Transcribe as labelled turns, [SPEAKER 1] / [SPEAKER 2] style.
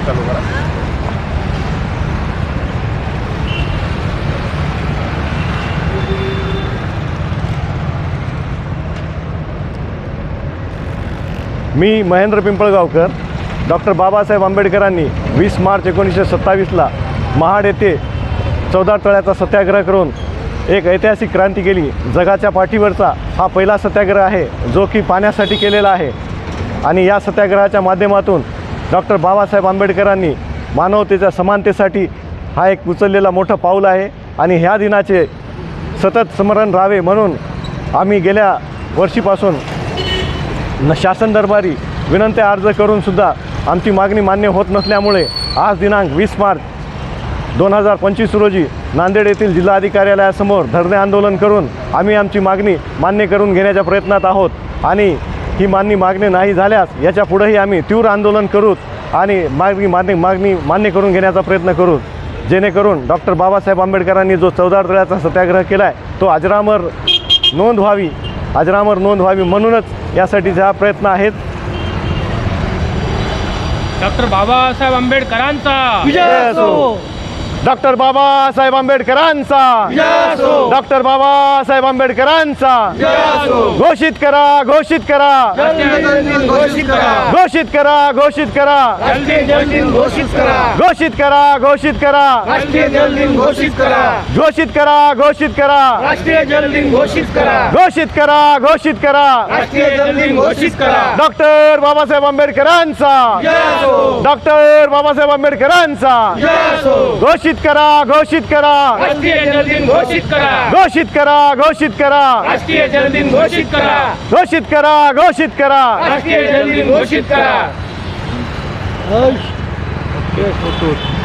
[SPEAKER 1] चालू करा. मी महेंद्र पिंपळगावकर. डॉक्टर बाबासाहेब आंबेडकरांनी 20 मार्च 1927ला महाड येथे 14 तळ्याचा सत्याग्रह करून एक ऐतिहासिक क्रांती केली. जगाच्या पाठीवरचा हा पहिला सत्याग्रह आहे जो की पाण्यासाठी केलेला आहे. आणि या सत्याग्रहाच्या माध्यमातून डॉक्टर बाबासाहेब आंबेडकरांनी मानवतेच्या समानतेसाठी हा एक उचललेला मोठं पाऊल आहे. आणि ह्या दिनाचे सतत स्मरण राहावे म्हणून आम्ही गेल्या वर्षीपासून शासन दरबारी विनंत्या अर्ज करूनसुद्धा आमची मागणी मान्य होत नसल्यामुळे आज दिनांक 20 मार्च 2025 रोजी नांदेड येथील जिल्हाधिकार्यालयासमोर धरणे आंदोलन करून आम्ही आमची मागणी मान्य करून घेण्याच्या प्रयत्नात आहोत. आणि ही मागणी नाही झाल्यास याच्या पुढेही आम्ही तीव्र आंदोलन करू आणि मागणी मान्य करून घेण्याचा प्रयत्न करू, जेणेकरून डॉक्टर बाबासाहेब आंबेडकरांनी जो 14 तळ्याचा सत्याग्रह केला आहे तो अजरामर नोंद व्हावी म्हणूनच यासाठीचे हा प्रयत्न आहेत.
[SPEAKER 2] डॉक्टर बाबासाहेब आंबेडकरांचा
[SPEAKER 1] विजय असो. डॉक्टर बाबासाहेब आंबेडकरांचा विजय असो. डॉक्टर बाबासाहेब आंबेडकरांचा विजय असो. घोषित करा घोषित करा
[SPEAKER 2] घोषित करा
[SPEAKER 1] घोषित करा घोषित करा
[SPEAKER 2] घोषित करा
[SPEAKER 1] घोषित करा घोषित करा
[SPEAKER 2] राष्ट्रीय जल दिन घोषित करा
[SPEAKER 1] घोषित करा घोषित करा
[SPEAKER 2] राष्ट्रीय जल दिन घोषित करा
[SPEAKER 1] घोषित करा घोषित करा
[SPEAKER 2] राष्ट्रीय जल दिन घोषित करा
[SPEAKER 1] डॉक्टर बाबासाहेब आंबेडकरांचा डॉक्टर बाबासाहेब आंबेडकरांचा घोषित करा घोषित करा
[SPEAKER 2] राष्ट्रीय जल दिन घोषित करा
[SPEAKER 1] घोषित करा घोषित करा
[SPEAKER 2] राष्ट्रीय जल दिन घोषित करा
[SPEAKER 1] घोषित करा घोषित करा
[SPEAKER 2] राष्ट्रीय जल दिन घोषित करा.